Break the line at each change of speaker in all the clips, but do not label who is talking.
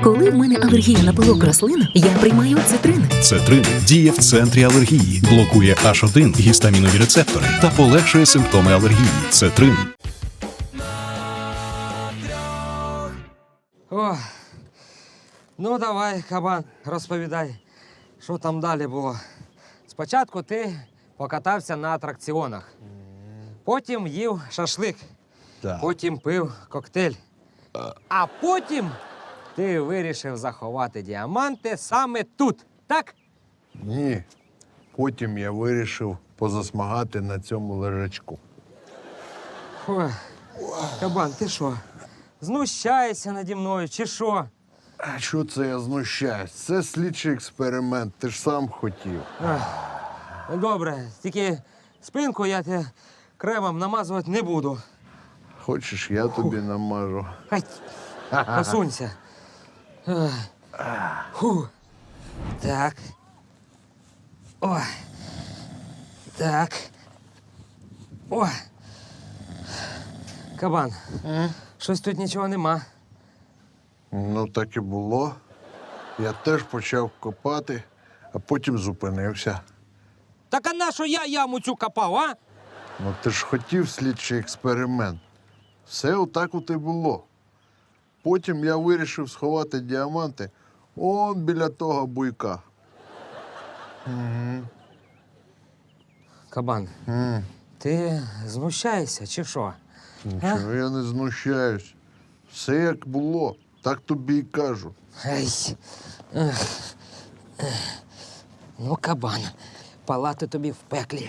Коли в мене алергія на пилок рослин, я приймаю цитрин.
Цетрин діє в центрі алергії, блокує H1 гістамінові рецептори та полегшує симптоми алергії. Цетрин.
О, ну давай, кабан, розповідай, що там далі було. Спочатку ти покатався на атракціонах, потім їв шашлик, потім пив коктейль, а потім ти вирішив заховати діаманти саме тут, так?
Ні. Потім я вирішив позасмагати на цьому лежачку.
Ой, кабан, ти що, знущаєшся наді мною чи що?
А що це я знущаюсь? Це слідчий експеримент, ти ж сам хотів.
Добре, тільки спинку я тебе кремом намазувати не буду.
Хочеш, я тобі намажу.
Хай, посунься. Фу. Так. Ой. Так. Ой. Кабан, щось тут нічого нема.
Ну, так і було. Я теж почав копати, а потім зупинився.
Так а на що я яму цю копав, а?
Ну, ти ж хотів слідчий експеримент. Все отак от і було. Потім я вирішив сховати діаманти он біля того буйка.
Кабан, ти знущаєшся чи що?
Нічого я не знущаюсь. Все як було, так тобі й кажу.
Ей. Ну, кабан, палати тобі в пеклі.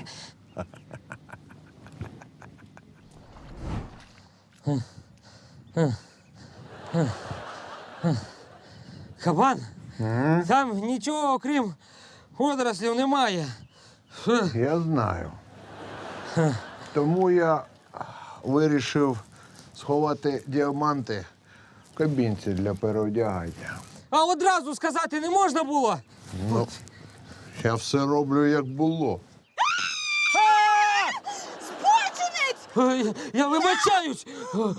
Кабан, там нічого, окрім водорослів, немає.
Я знаю. Тому я вирішив сховати діаманти в кабінці для переодягання.
А одразу сказати не можна було?
Ну, я все роблю, як було.
Я вибачаюсь.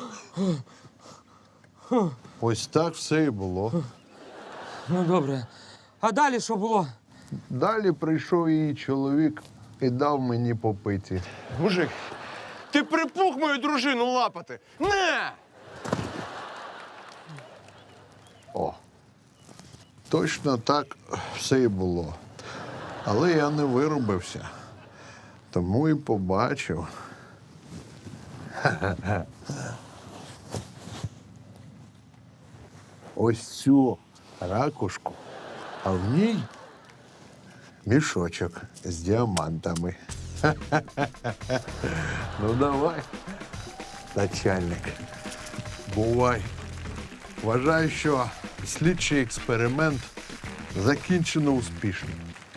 Ось так все і було.
Ну, добре. А далі що було?
Далі прийшов її чоловік і дав мені попиті.
Мужик, ти припух мою дружину лапати. Не!
О, точно так все і було. Але я не виробився. Тому і побачив. Ось цю ракушку, а в ній мішочок з діамантами. Ну давай, начальник, бувай. Вважаю, що слідчий експеримент закінчено успішно.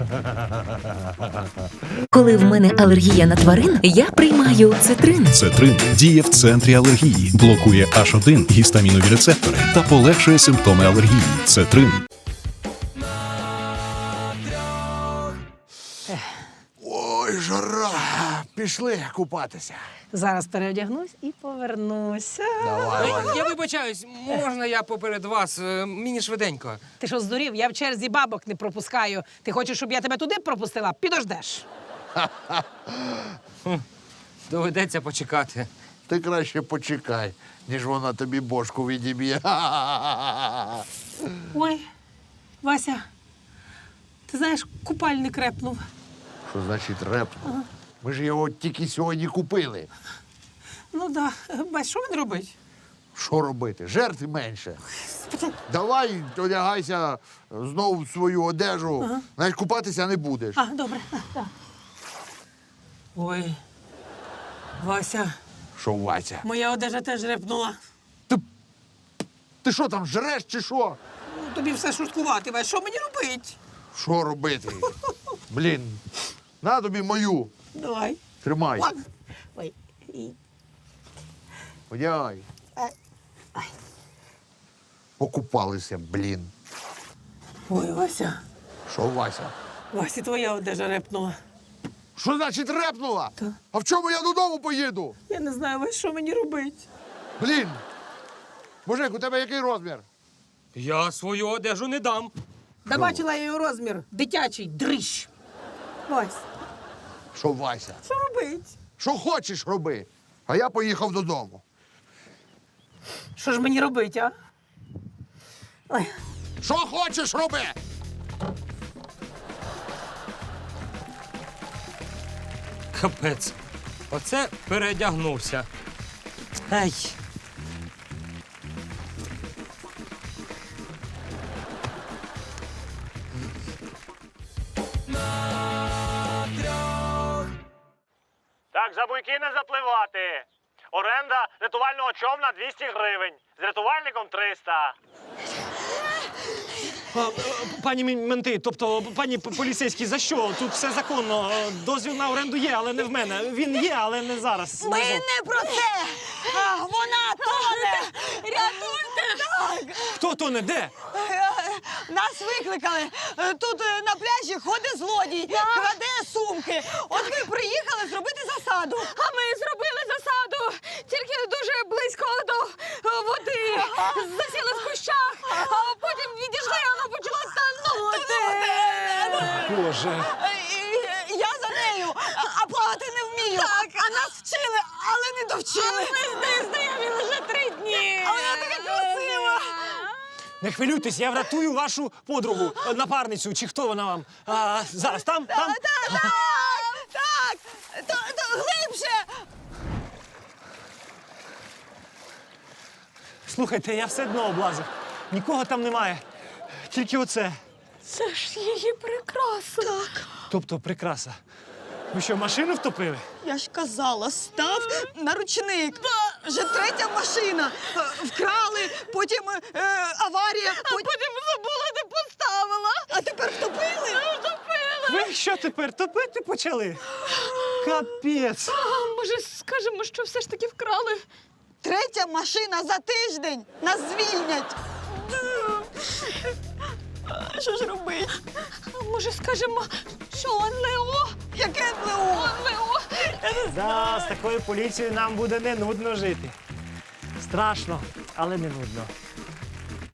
Коли в мене алергія на тварин, я приймаю цитрин.
Цетрин діє в центрі алергії, блокує H1 гістамінові рецептори та полегшує симптоми алергії. Цетрин.
Ой, жара! Пішли купатися.
Зараз переодягнусь і повернуся.
Я вибачаюсь, можна я поперед вас? Мені швиденько.
Ти що, здурів? Я в черзі бабок не пропускаю. Ти хочеш, щоб я тебе туди пропустила? Підождеш.
Доведеться почекати.
Ти краще почекай, ніж вона тобі бошку відіб'є.
Ой, Вася, ти знаєш, купальник репнув.
Що значить репнув? Ми ж його тільки сьогодні купили.
Ну да, Вась, що він робить?
Що робити? Жертв менше. Давай одягайся знову в свою одежу. Навіть купатися не будеш.
А, добре. Да. Ой, Вася,
Що, Вася?
моя одежа теж репнула.
Ти що там, жреш чи що?
Ну, тобі все шуткувати, Вась, що мені робить?
Що робити? Блін, на тобі мою.
Давай.
Тримай.
Ладно. Ой.
Одягай. Покупалися, блін.
Ой, Вася.
Що, Вася?
Вася, твоя одежа репнула.
Що значить репнула?
Так.
А в чому я додому поїду?
Я не знаю, Вась, що мені робить.
Блін! Мужик, у тебе який розмір?
Я свою одежу не дам.
Да бачила я його розмір. Дитячий, дрищ.
Вась,
Що, Вася?
що робить?
Що хочеш, роби. А я поїхав додому.
Що ж мені робити, а?
Ой,
Що хочеш, роби!
Капець. Оце передягнувся. Ай.
Так, за буйки не запливати. Оренда рятувального човна 200 гривень. З рятувальником 300.
Пані менти, тобто пані поліцейські, за що? Тут все законно. Дозвіл на оренду є, але не в мене. Він є, але не зараз.
ми не про це! Вона тоне! Рятуйте! Так!
Хто то не де?
Нас викликали. Тут на пляжі ходить злодій, краде сумки. От ми приїхали зробити засаду.
А ми зробили засаду, тільки дуже близько до води. Засіли в кущах, а потім відійшли, і вона почала танути.
Боже.
Я за нею, а плавати не вмію. Так. А нас вчили, але не довчили.
Ми з нею знайомі лише 3 дні.
А вона така красива.
Не хвилюйтесь, я врятую вашу подругу, напарницю, чи хто вона вам. Зараз там? Там?
Так, глибше.
Слухайте, я все дно облазив. Нікого там немає. Тільки оце.
Це ж її прикраса. Так.
Тобто прикраса. Ви що, машину втопили?
Я ж казала, став на ручник. Вже 3-я машина. Вкрали, потім аварія.
Потім забула, де поставила.
А тепер втопили?
Ви що тепер, топити почали? Капець.
А, може, скажемо, що все ж таки вкрали?
3-я машина за тиждень. Нас звільнять. Що ж робити?
А може, скажемо, що НЛО?
Яке НЛО?
НЛО.
Да, з такою поліцією нам буде не нудно жити. Страшно, але не нудно.